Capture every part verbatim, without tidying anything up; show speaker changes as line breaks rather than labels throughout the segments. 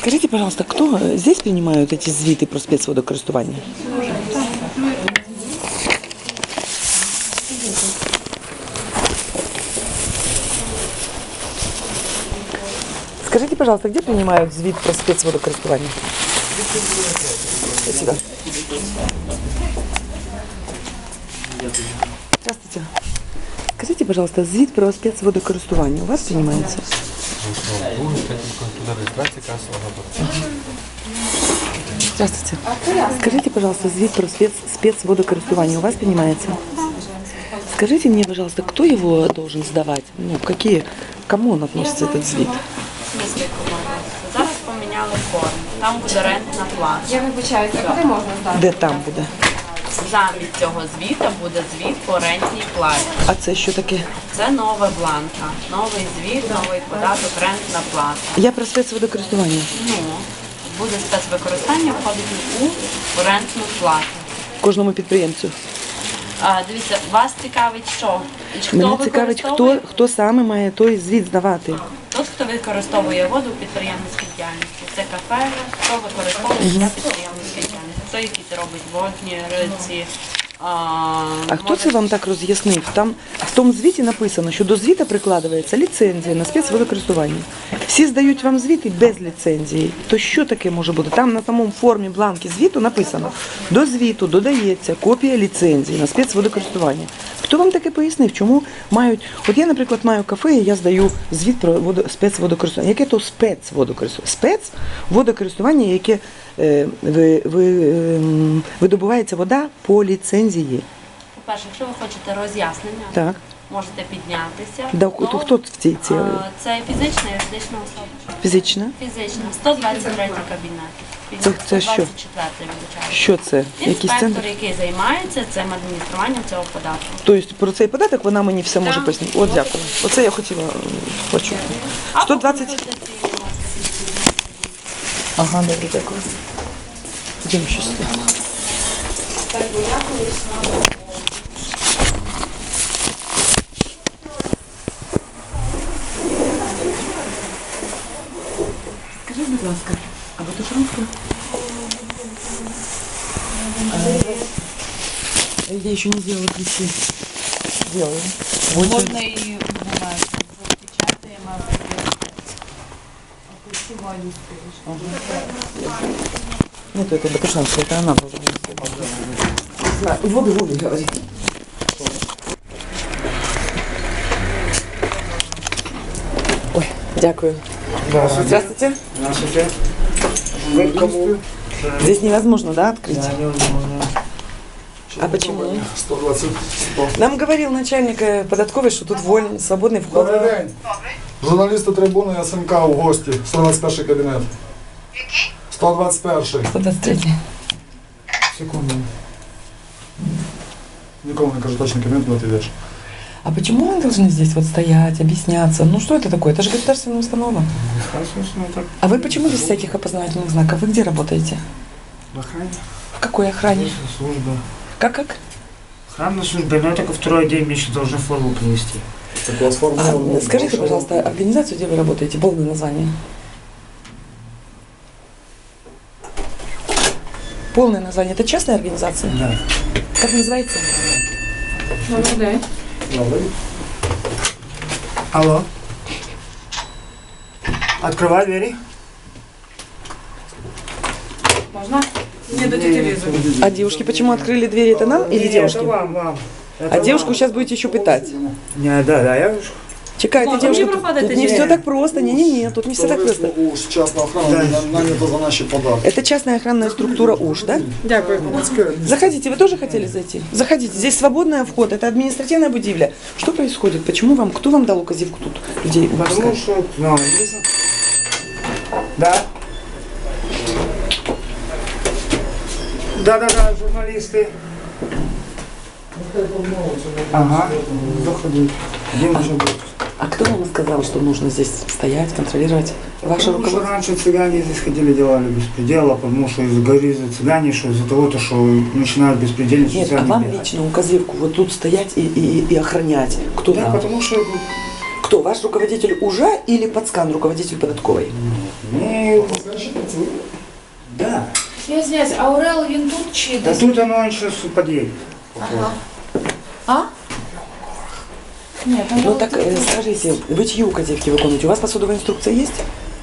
Скажите, пожалуйста, кто здесь принимают эти звіти про спецводокористування? Скажите, пожалуйста, где принимают звіт про спецводокористування? Сюда. Здравствуйте. Скажите, пожалуйста, звіт про спецводокористування у вас принимается? Здравствуйте. Скажите, пожалуйста, звіт про спец, спецводокористування у вас принимается? Скажите мне, пожалуйста, кто его должен сдавать? Ну, какие, кому он относится, этот звіт?
Зараз поміняли форму. Там буде рентна плата.
Я вибачаюся, куди можна здати?
Де там буде?
Замість цього звіта буде звіт по рентній платі.
А це що таке?
Це нова бланка. Новий звіт, новий податок, рентна плата.
Я про спецводокористування.
Ну, буде спецвикористання, входить у рентну плату.
Кожному підприємцю.
А, дивіться, вас цікавить що? І хто
Мене цікавить, хто,
використовує?
хто саме має той звіт здавати.
Тот, хто використовує воду в підприємницькій діяльності. Це кафе, хто використовує для підприємницької діяльності. Хто якісь робить водні, риці. А,
А хто це вам так роз'яснив? Там в тому звіті написано, що до звіта прикладається ліцензія на спецводокористування. Всі здають вам звіти без ліцензії. То що таке може бути? Там на самому формі бланки звіту написано: до звіту додається копія ліцензії на спецводокористування. Хто вам таке пояснив? Чому мають? От я, наприклад, маю кафе, і я здаю звіт про водо... спецводокористування. Яке то спецводокористування? Спецводокористування, яке е, ви, ви, е, видобувається вода по ліцензії.
По-перше, якщо ви хочете роз'яснення,
Так.
можете піднятися.
Да,
Ну,
хто, хто в цій цій?
а, Це фізична, юридична особа.
Фізична?
Фізична. сто двадцять третій кабінет.
Це- це що?
сто двадцять четвертий, вибачаю.
Що це? Якийсь
Інспектор,
центр?
який займається цим адмініструванням цього податку.
Тобто про цей податок вона мені все може
Так.
пояснити. От дякую. Оце я хотіла е, почути. сто двадцять. Ага, добре, дякую. Йдемо ще сюди. Скажіть, будь ласка, а ви тут русская? Я еще не сделала ключи. Делаю.
Можна і бумагу. Печатаємо.
Нет, это Бакушанская, это она должна быть. Воду, воду, говорит. Ой, дякую. Здравствуйте.
Здравствуйте. Вы к кому?
Здесь невозможно, да, открыть?
Да, невозможно.
А почему?
сто двадцать. сто.
Нам говорил начальник э, податковой, что тут вольный, свободный вход.
Добрий день. Журналісти трибуни СМК у гості. сто двадцять перший кабінет.
Який?
сто двадцять перший.
сто двадцать третий.
Секунду. Нікому не кажу, точно кабінет, куди ти йдеш.
А почему мы должны здесь вот стоять, объясняться? Ну что это такое? Это же государственная установа.
так.
А вы почему без всяких опознавательных знаков? Вы где работаете?
В охране.
В какой охране?
Служба.
Как как?
Охранная служба, но я только второй день мне еще должны форму принести.
Так у вас форма.
А, скажите, пожалуйста, организацию, где вы работаете, полное название? Полное название. Это частная организация?
Да.
Как называется?
Добрий день.
Добрий.
Алло. Открывай двери.
Можна? Не до тети Лизы.
А девушки почему открыли двери? Это нам или
Не,
девушки?
Это вам, вам. Это
А девушку
вам.
сейчас будете еще пытать.
Не, да, да, я
Чекайте,
Ладно,
девушка,
мені
тут,
проходити
тут не
ні.
все так просто. Не-не-не, тут не все так просто.
У частна охрана нанята за наші податки.
Это частная охранная структура УЖ, да?
Дякую.
Заходите, вы тоже хотели зайти? Заходите, здесь свободный вход, это административная будивля. Что происходит? Почему вам, кто вам дал указивку тут людей? Вам
Потому
сказать?
что... Ну, Лиза. Да. Да-да-да, журналисты. Ага, заходи. Один уже будет.
А кто вам сказал, что нужно здесь стоять, контролировать? Ваше
Потому что
руководство?
раньше цыгане здесь ходили, делали беспредела, потому что из-за гориза цыгане, что из-за того, то, что начинают беспредельничать.
Нет, а
сами
вам
делать.
лично указивку вот тут стоять и, и, и охранять? Кто
Да,
вам?
потому что
Кто? Ваш руководитель УЖа или подскан руководитель податковой?
не они... Да.
Я извиняюсь, а Орел він тут чи
Да
десь?
тут оно сейчас подъедет.
Ага. А? Ні, там
Ну
було
так
тут.
э, скажите, вы чьи указівки виконуєте? У вас посудовая инструкция есть?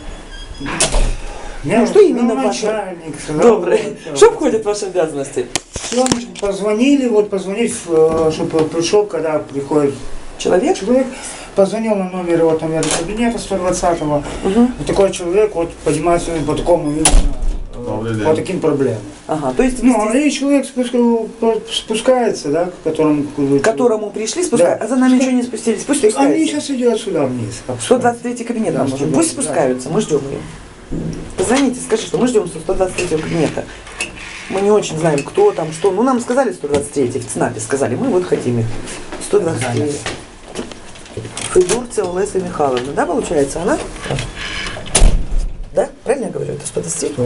Я
что именно
ну,
ваше?
начальник.
Добре.
вот,
Что входит в ваши обязанности?
Всё, позвонили, вот позвонить, чтобы пришел, когда приходит
Человек?
человек, позвонил на номер, его там номер кабинета сто двадцатого.
Угу.
Вот такой человек вот поднимается по такому именно, э, по таким проблемам.
Ага, то есть
Ну,
вести-
и человек спуска- спускается, да, к которому...
к которому пришли, спускают,
Да.
а за нами ничего не спустились. Пусть
Они
спускаются.
сейчас идет сюда вниз.
сто двадцать третий кабинет
Да,
нам нужен.
сто
Пусть
двадцать,
спускаются, мы ждем ее. Позвоните, скажи, что мы ждем сто двадцать третьего кабинета. Мы не очень знаем, кто там, что. Ну, нам сказали сто двадцать третий, в ЦНАПе сказали, мы вот хотим их. сто двадцать третий. Федорцева Олеся Михайловна, да, получается, она? Да? Правильно я говорю? Это сто двадцать третий?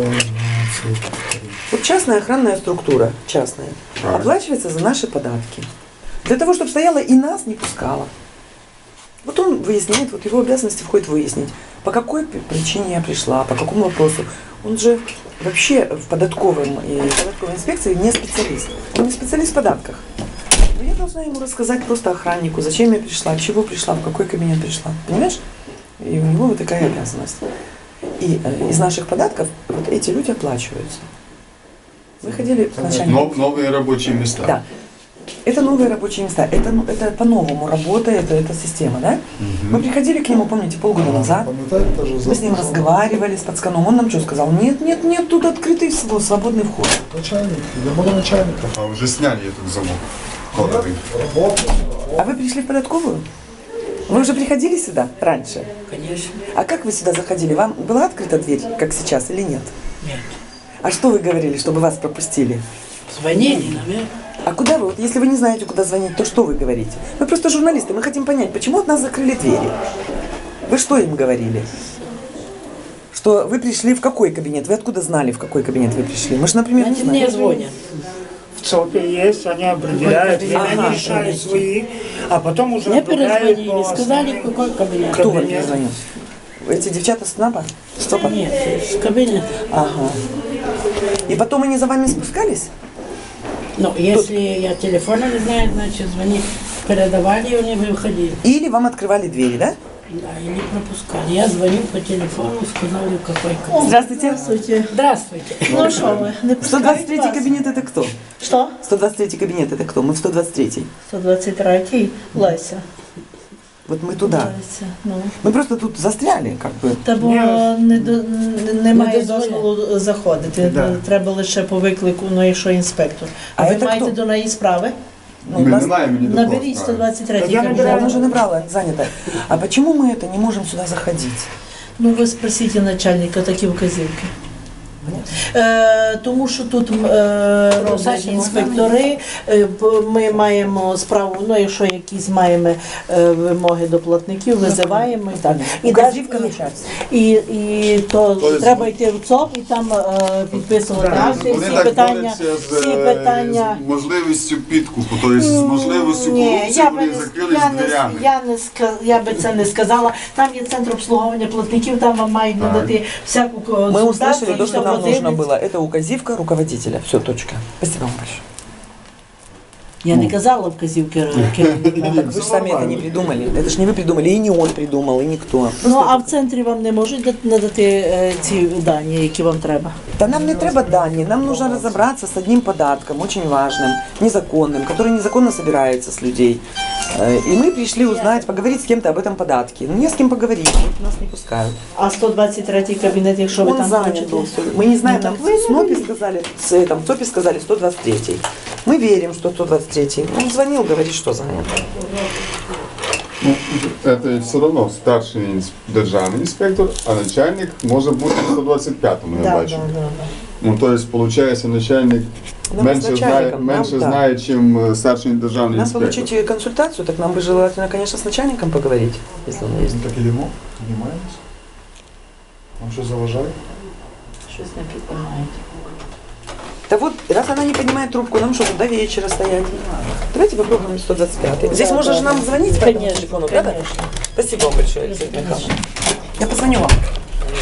Вот частная охранная структура, частная, оплачивается за наши податки. Для того, чтобы стояла и нас не пускала. Вот он выясняет, вот его обязанности входит выяснить, по какой п- причине я пришла, по какому вопросу. Он же вообще в податковом и податковой инспекции не специалист. Он не специалист в податках. Но я должна ему рассказать просто охраннику, зачем я пришла, чего пришла, в какой кабинет пришла. Понимаешь? И у него вот такая обязанность. И э, из наших податков вот эти люди оплачиваются. Мы ходили к начальнику.
Нов- новые рабочие места.
Да. Это новые рабочие места. Это, ну, это по-новому работает эта система, да? Мы приходили к нему, помните, полгода назад.
Пам'ятаєте, теж
Мы с ним разговаривали, с пацканом. Он нам что сказал? Нет, нет, нет, тут открытый св- свободный вход.
Начальник, йдемо до начальника.
А уже сняли этот замок. Кодовый.
Робота.
А вы пришли в податковую? Вы уже приходили сюда раньше?
Конечно.
А как вы сюда заходили? Вам была открыта дверь, как сейчас, или нет?
Нет.
А что вы говорили, чтобы вас пропустили?
Звонили, наверное.
А куда вы? Вот если вы не знаете, куда звонить, то что вы говорите? Мы просто журналисты, мы хотим понять, почему от нас закрыли двери. Вы что им говорили? Что вы пришли в какой кабинет? Вы откуда знали, в какой кабинет вы пришли? Мы же, например, не
Они мне
знаем.
звонят.
В ЦОПе есть, они определяют, время,
Ага.
они решают свои, а потом уже
Мне
отправляют
перезвонили,
по
сказали,
основным.
какой кабинет.
Кто вам
кабинет.
перезвонил? Эти девчата с СНАПа? Стопа?
Нет, с кабинета.
Ага. И потом они за вами спускались?
Ну, если я телефона не знаю, значит, звони, передавали, и они выходили.
Или вам открывали двери, да?
Да, и не пропускали. Я звонил по телефону, сказали, какой кабинет.
Здравствуйте.
Здравствуйте. Здравствуйте.
Ну що ви, не
сто двадцать
пускають
третий
вас?
кабинет это кто?
Що?
сто двадцать третий кабинет это кто? Мы в сто двадцать третий.
сто двадцять третій Леся.
Вот мы туда.
Леся. Ну.
Мы просто тут застряли, как бы.
Та бо не, до- не, немає
Не дозволяє.
дозволу заходити.
Да.
Треба лише по виклику, ну якщо інспектор. А,
А
ви
це
маєте
хто?
до неї справи?
Ну,
Мы
нас-
не знаем, не
Наберіть сто двадцять третій
Я
кабінет.
набираю.
Она уже набрала, занята. А почему мы это не можем сюда заходить?
Ну ви спросіть у начальника такі вказівки. Е, тому що тут е, роблять інспектори, е, п- ми маємо справу, ну якщо якісь маємо е, вимоги до платників, визиваємо і так. І,
Указівка
даж-
начальства.
і, і то
Тобто-
треба йти в ЦОП і там е, підписувати
Да.
акти,
Вони
всі
так
питання,
борються з,
всі
е,
питання.
з можливістю підкупу, тобто з можливістю
Ні,
корупції
я би
вони
не,
закрили
я
з
не,
дверями.
я не ска- я би це не сказала. Там є центр обслуговування платників, там вам мають
Так.
надати всяку
Мы
консультацію,
услышали то, что
все
нам нужно
подивляться.
было. Это указивка руководителя. Все, точка. Спасибо вам большое.
Я не казала вказівки керівника.
Так вы же сами это не придумали. Это же не вы придумали, и не он придумал, и никто.
Ну а в центрі вам не можуть дати- надати е, ці дані, які вам треба.
Да нам не треба дані, нам нужно разобраться с одним податком, очень важным, незаконным, который незаконно собирается с людей. Э, И мы пришли узнать, поговорить с кем-то об этом податке. Ну, не с кем поговорить, вот нас не пускают.
А сто двадцять третій кабінет, якщо ви
Он
там
занят
хочете.
был. всё. Мы не знаем,
Ну,
нам
так вы
в СНОПе сказали, с этом, в ЦОПе сказали сто двадцать третий. Мы верим, что сто двадцать третий. Он звонил, говорит, что занят.
Ну, це все одно старший інс- державний інспектор, а начальник може бути в сто двадцять п'ятому, я
Да,
бачу.
да, да, да.
Ну, тобто, виходить, начальник
Нам
менше
з
знає,
начальником,
менше
нам, да.
знає, ніж старший державний
Нам
інспектор.
получить консультацию, так нам бы желательно, конечно, с начальником поговорить, если он есть.
Так ідемо, піднімаємося. Вам що заважає?
Щось не піднімають.
Да вот, раз она не поднимает трубку, нам что, до вечера стоять? Давайте попробуем сто двадцать пятый. Здесь
Да,
можно
да,
же нам
да.
звонить по этому
Конечно,
телефону, правда?
конечно.
Спасибо вам большое, Елизавета Михайловна. Я позвоню вам.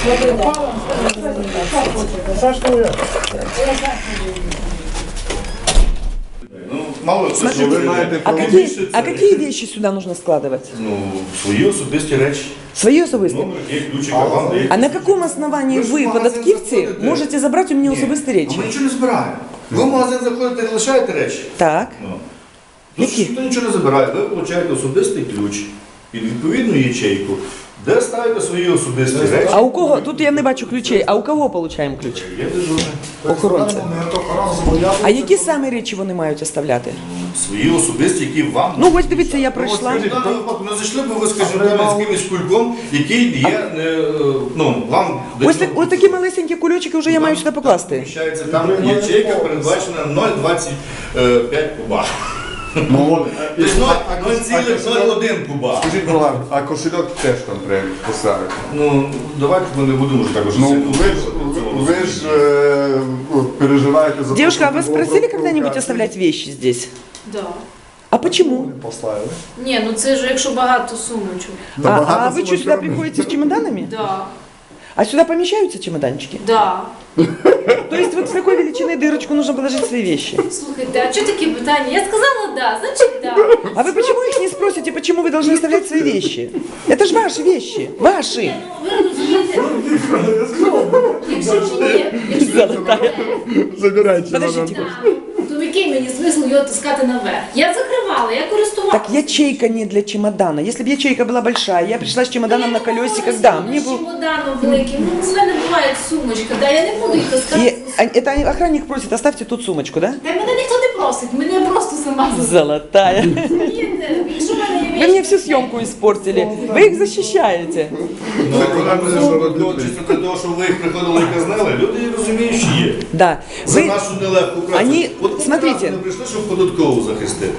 Ну, мало це, що
Ви
ви
маєте
А
право-
какие, а какие вещи сюда нужно складывать?
ну, свої особисті речі.
Свои особистые?
Номер є, ключика вам дає.
А на каком основании
Ви ж в
вы,
магазин
податківці,
заходите?
можете забрать у меня
Ні,
особисті
а
речі?
ми нічого не збираємо. Ви в магазин заходите і лишаєте речі.
Так.
Ну. Тут
Які?
ніхто нічого не забирає. Ви отримуєте особистий ключ під відповідну ячейку, де ставите свої особисті речі.
А у кого? Тут я не бачу ключей. А у кого получаємо ключ?
Є дежурний.
Охоронця.
Охоронця.
А які саме речі вони мають оставляти?
Свої особисті, які вам.
Ну ось дивіться, я
Ну,
пройшла.
скажіть, в даному випадку не зайшли б ви, скажімо, там, з якимось кульком, який є, е, ну, вам...
Ось, так- ось такі малесенькі кульочки вже я маю сюди покласти.
Поміщається, там ячейка передбачена нуль цілих двадцять п'ять куба.
Ну,
Тобто нуль цілих нуль один куба.
Скажіть, будь ласка, а кошельок теж там треба поставити?
Ну, давайте ми не будемо вже так уже
Ну,
сильно
ви ж, ви ж е, от, переживаєте за...
Девушка, а
те,
вы
що
спросили
образ
когда-нибудь
провокації?
оставлять вещи здесь?
Да.
А почему?
Поставили.
Ні, ну це ж якщо багато сумочок.
Та
А,
багато
а вы что,
сумочок.
сюда приходите с чемоданами?
Да.
А сюда помещаются чемоданчики?
Да.
То есть вот с такой величиной дырочку нужно положить свои вещи?
Слухайте, а що такі питання? Я сказала да, значить да.
А вы почему их не спросите, почему вы должны оставлять свои вещи? Это же ваши вещи, ваши.
Ну, ви розумієте, якщо чи ні, якщо
Золотая.
Забирайте.
Подождите.
да, то який мені смисл його таскати наверх? Я закривала, я користувалася.
Так ячейка не для чемодана. Если бы ячейка была большая, я пришла с чемоданом на колесиках, да, мне
З
был...
чемоданом великим, ну в мене буває сумочка, да, я не буду їх таскати.
И а, это охранник просит, оставьте тут сумочку, да?
Та мене ніхто не просить, мене просто сама
Золотая.
розумієте. Якщо в мене є
Вы мне всю съемку испортили. Вы их защищаете.
Ну, ну, чисто для того, щоб ви їх приходили і казнили, люди розуміють, що є.
Да.
За
Вы...
нашу нелегку працю.
Они-
От
смотрите.
ми прийшли, щоб податкову захистити.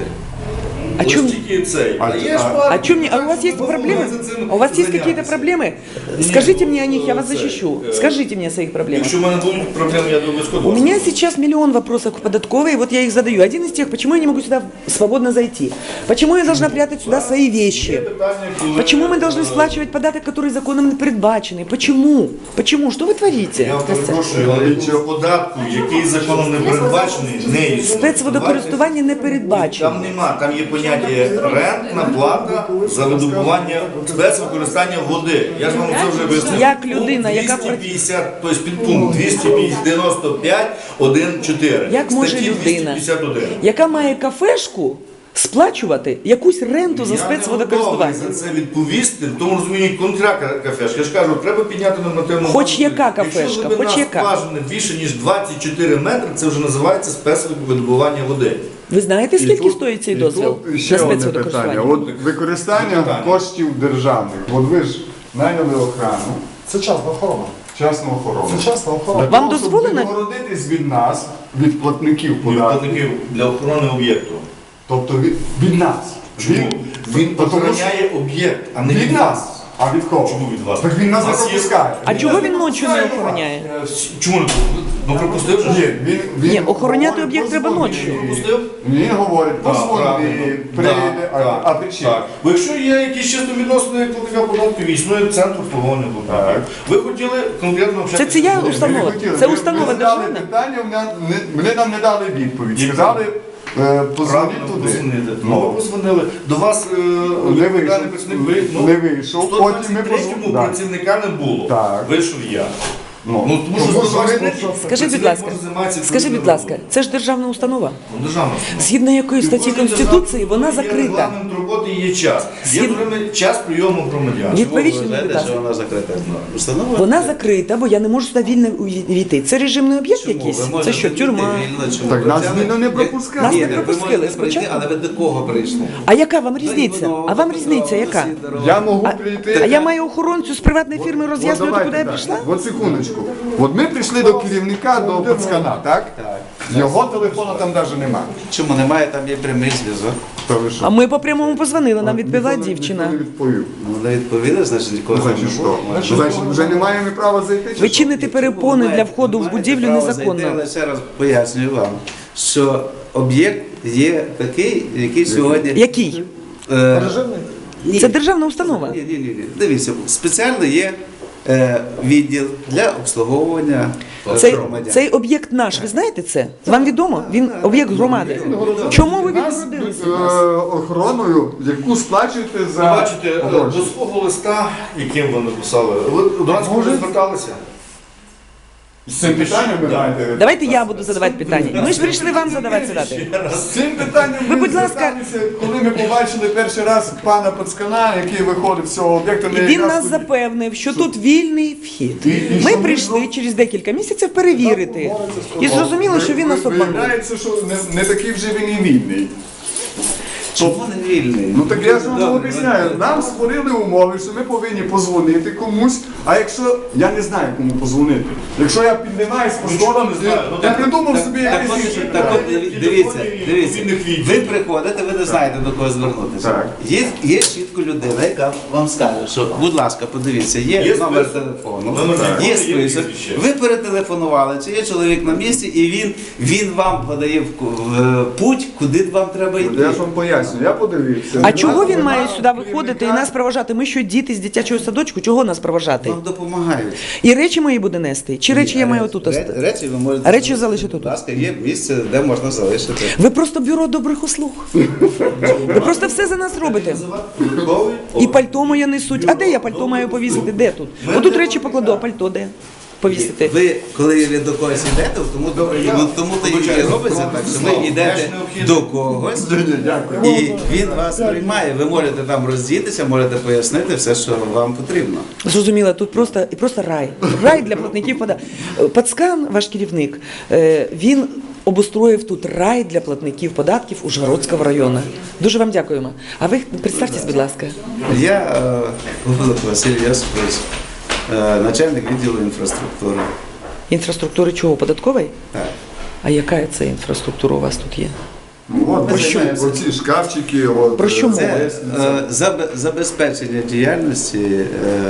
А
Ось
чому-
тільки цей.
А-
А є ж
а-
пара-
А, чё мне, а у вас есть
Ви
проблемы?
можете цим
А у вас есть
зайнятися.
какие-то проблемы?
Ні,
Скажите
ну,
мне о них, я вас
це,
защищу.
е,
Скажите мне о своих проблемах.
Якщо в мене будуть проблеми, я думаю,
У
скажу.
меня сейчас миллион вопросов к податковой, и вот я их задаю. Один из тех, почему я не могу сюда свободно зайти? Почему я должна прятать сюда свои вещи? Почему мы должны сплачивать податок, который законом не предбаченный? Почему? Почему? Что вы творите?
Я
Костя?
перепрошую, але цього податку, який законом не передбачений, не існує.
Спецводокористування не передбачено.
Там нема, там є поняття рентна плата за видобування спецвикористання води. Я ж вам це вже вияснив.
Як людина, яка
двісті п'ятдесят, тобто підпункт двісті дев'яносто п'ять один чотири.
Як може
Статті
людина,
двісті п'ятдесят один.
яка має кафешку, сплачувати якусь ренту за
Я не готовий
спецводокористування?
за це відповісти, в тому розумінні контракт кафешки. Я ж кажу, треба підняти нормативну
Хоч
базу.
яка
Якщо
кафешка,
глибина
хоч яка.
скважини більше, ніж двадцять чотири метри, це вже називається спецвидобування води.
Ви знаєте, скільки
тут-
стоїть цей
і
дозвіл
тут ще
на
одне
спецводокористування?
питання. От використання
Питання.
коштів державних. От ви ж найняли охрану,
Це частна охорона.
частну охорону.
Це частна охорона.
Вам
Для того,
дозволено?
щоб відгородитись від нас, від платників
Для
податків,
платників для охорони об'єкту.
тобто від, від нас.
Чому? Він
Тому що-
охороняє об'єкт, а не
від
від
нас.
вас.
А від кого?
Чому від вас?
Так він нас
У
не
вас є-
пропускає.
А
Він
чого
нас
він
не
ночі не
пропускає до
охороняє?
Е, всі- Чому не ну пропустив же?
вас. Ні, він, він
Ні, охороняти
говорить,
об'єкт треба
позвони.
ночі.
Пропустив?
Він говорить,
Так,
позвони,
правильно.
прийде,
Так,
а, а
так,
ти чи?
так. Бо якщо є якісь чисто відносини як платника податків, існує центр встановлення податків. Ви хотіли конкретно
Це
общатися?
це я
з людьми?
установа.
Ми хотіли.
Це
Ми-
установа
ми задали
державна.
питання, вони, не- вони нам не дали відповідь.
Яку?
Сказали, е, позвоніть
Правильно,
туди.
позвонити. Ну,
Ну,
ви позвонили. До вас е,
Не
відповідальний
вийшов.
працівник ви- ну,
Не вийшов.
сто
Потім ми
двадцять третьому
позвонили. Так.
працівника не було.
Так.
Вийшов я.
Ну,
Ну, тому що
тому
сто двадцять третій
що-
Скажіть, будь
працівник
ласка,
може займатися
скажіть, будь
відповідною
ласка, це ж державна установа.
роботою. Ну, державна установа.
Згідно якої статті
Кожній
Конституції,
державній
вона
установі
закрита.
Є регламент роботи і є час. Є,
Згідно-
наприклад, час прийому громадян.
Відповідь мені, будь ласка.
вона закрита установа?
Вона закрита, бо я не можу сюди вільно увійти. Це режимний об'єкт якийсь? Це що, тюрма?
Так нас вільно не пропускали.
Нас не
Ні, ви
пропустили
можете прийти,
спочатку.
але ви до кого прийшли?
А яка вам різниця? А вам різниця яка?
Я можу
А,
прийти.
а я маю охоронцю з приватної фірми
От
роз'яснювати,
давайте
куди я
так.
прийшла?
От секундочку. От ми прийшли до керівника, до пацкана, так?
Так.
Його телефону там навіть немає.
Чому немає, там є прямий зв'язок.
Та ви що?
А ми по прямому позвонили, нам відповіла
Ніхто не-
дівчина.
ніхто не відповів.
Ну, не відповіли, значить, нікого там
Значить
не
що?
було.
Значить вже не маємо права зайти? чи
Ви
що?
чините перепони для входу в будівлю незаконно.
Але ще раз пояснюю вам, що об'єкт є такий, який сьогодні...
Який?
Е,
Режимний?
ні.
Це державна установа.
Ні, ні, ні, ні. Дивіться, спеціально є е, відділ для обслуговування
Цей,
громадян.
цей об'єкт наш, ви знаєте це? Вам відомо? Він об'єкт громади. Чому ви
Нас
відгородилися?
під, е, охороною, яку сплачуєте
Ви
за
бачите, е,
гроші.
до свого листа, яким ви написали, ви до нас вже зверталися?
З цим питанням ви маєте?
Давайте я буду задавати питання. Ми ж прийшли вам задавати задати.
З цим питанням
Ви,
ми
будь ласка-
зверталися, коли ми побачили перший раз пана Пацкана, який виходив з цього об'єкту.
І
ми
він
якраз
нас
тоді-
запевнив, що тут вільний вхід.
І- і
Ми
що
прийшли
ми-
через декілька місяців перевірити. І зрозуміло, що він нас обманув.
Виявляється, що не, не такий вже він і вільний.
Чому не вільний?
Ну так я ж вам
Добре,
об'ясняю. Нам створили умови, що ми повинні позвонити комусь, а якщо я не знаю, кому позвонити. Якщо я піднімаюсь по сходам, я придумав собі
Так
якийсь
от,
інший
так
план.
от, диві- дивіться, дивіться, ви приходите, ви не знаєте, до кого звернутися.
Так.
Є, є чітко людина, яка вам скаже, що, будь ласка, подивіться, є,
Є
номер
список.
телефону,
Номер телефону,
є
є
список,
прізвище.
ви перетелефонували, чи є чоловік на місці, і він, він вам подає в, ку- в путь, куди вам треба йти.
Я ж вам поясню, я подивився.
А чого він має сюди виходити і нас проважати? Ми що, діти з дитячого садочку? Чого нас проважати?
Вам допомагають.
І речі мої буде нести? Чи речі я маю тут
Ре-
оставити?
Речі ви можете
А речі залишити тут?
Будь ласка, є місце, де можна залишити.
Ви просто бюро добрих услуг. Ви просто все за нас робите. І пальто моє несуть. А де я пальто маю повісити? Де тут? Отут речі покладу, а пальто де? Повісити.
Ви, коли ви до когось йдете, тому, тому, тому то і робиться так, що ви йдете до когось, і він вас приймає. Ви можете там роздітися, можете пояснити все, що вам потрібно.
Зрозуміло, тут просто і просто рай. Рай для платників податків. Пацкан, ваш керівник, е, він обустроїв тут рай для платників податків Ужгородського району. Дуже вам дякуємо. А ви представтесь, будь ласка.
Я е, Голуб Василь Йосипович, е, начальник відділу інфраструктури.
Інфраструктури чого? Податкової?
Так.
А яка це інфраструктура у вас тут є?
Ну, от,
Про що?
оці шкафчики, от,
Про що
е,
мова?
Це е, забе- забезпечення діяльності е,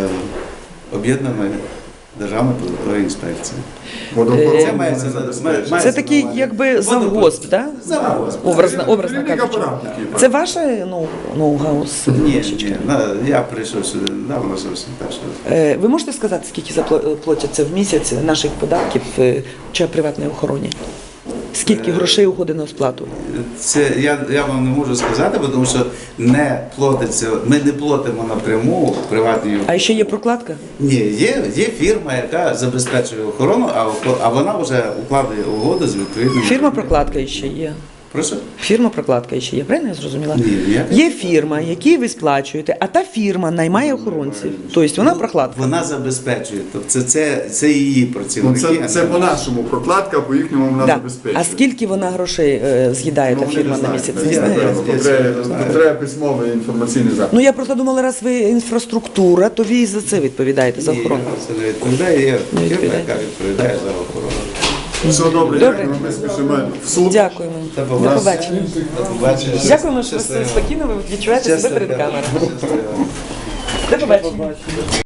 об'єднаної державної податкової інспекції.
водопровод,
Це мається на має-
Це такий
мається
якби
на увазі.
завгосп, так?
Завгосп.
Образно, образно
Керівник
кажучи.
апарату такий,
Це ваше ну, ноу-гаус?
Ні, ні, на- я прийшов сюди давно зовсім перший раз.
Е, Ви можете сказати, скільки запла- платяться в місяць наших податків е, чи приватній охороні? Скільки грошей уходить на сплату?
Це я, я вам не можу сказати, бо тому що не платиться, ми не платимо напряму приватній.
А ще є прокладка?
Ні, є, є фірма, яка забезпечує охорону, а, охо- а вона вже укладає угоду з відповідним.
Фірма прокладка ще є.
Прошу?
Фірма прокладка ще є, правильно я зрозуміла?
Ні, ніяка.
Є фірма, якій ви сплачуєте, а та фірма наймає охоронців. Тобто вона прокладка.
Вона забезпечує. Тобто це, це, це її
Ну,
працівники.
це,
а не
це по-нашому прокладка, по їхньому вона
Да.
забезпечує.
А скільки вона грошей е, з'їдає
Ну,
та
вони
фірма
не
на
знають,
місяць?
не
Не
знають,
знає?
треба- треба- Треба письмовий інформаційний запит.
Ну я просто думала, раз ви інфраструктура, то ви і за це відповідаєте, за
Ні,
охорону.
це не відповідає. Є
Не
фірма,
відповідає.
яка відповідає за охорону.
Все добре,
Добре.
дякую, ми спішимо в суд.
Дякуємо.
До
До
побачення.
побачення.
До побачення.
Дякуємо, що ви
Щасливо.
спокійно ви відчуваєте себе
Щасливо.
перед камерою.
Щасливо.
До побачення.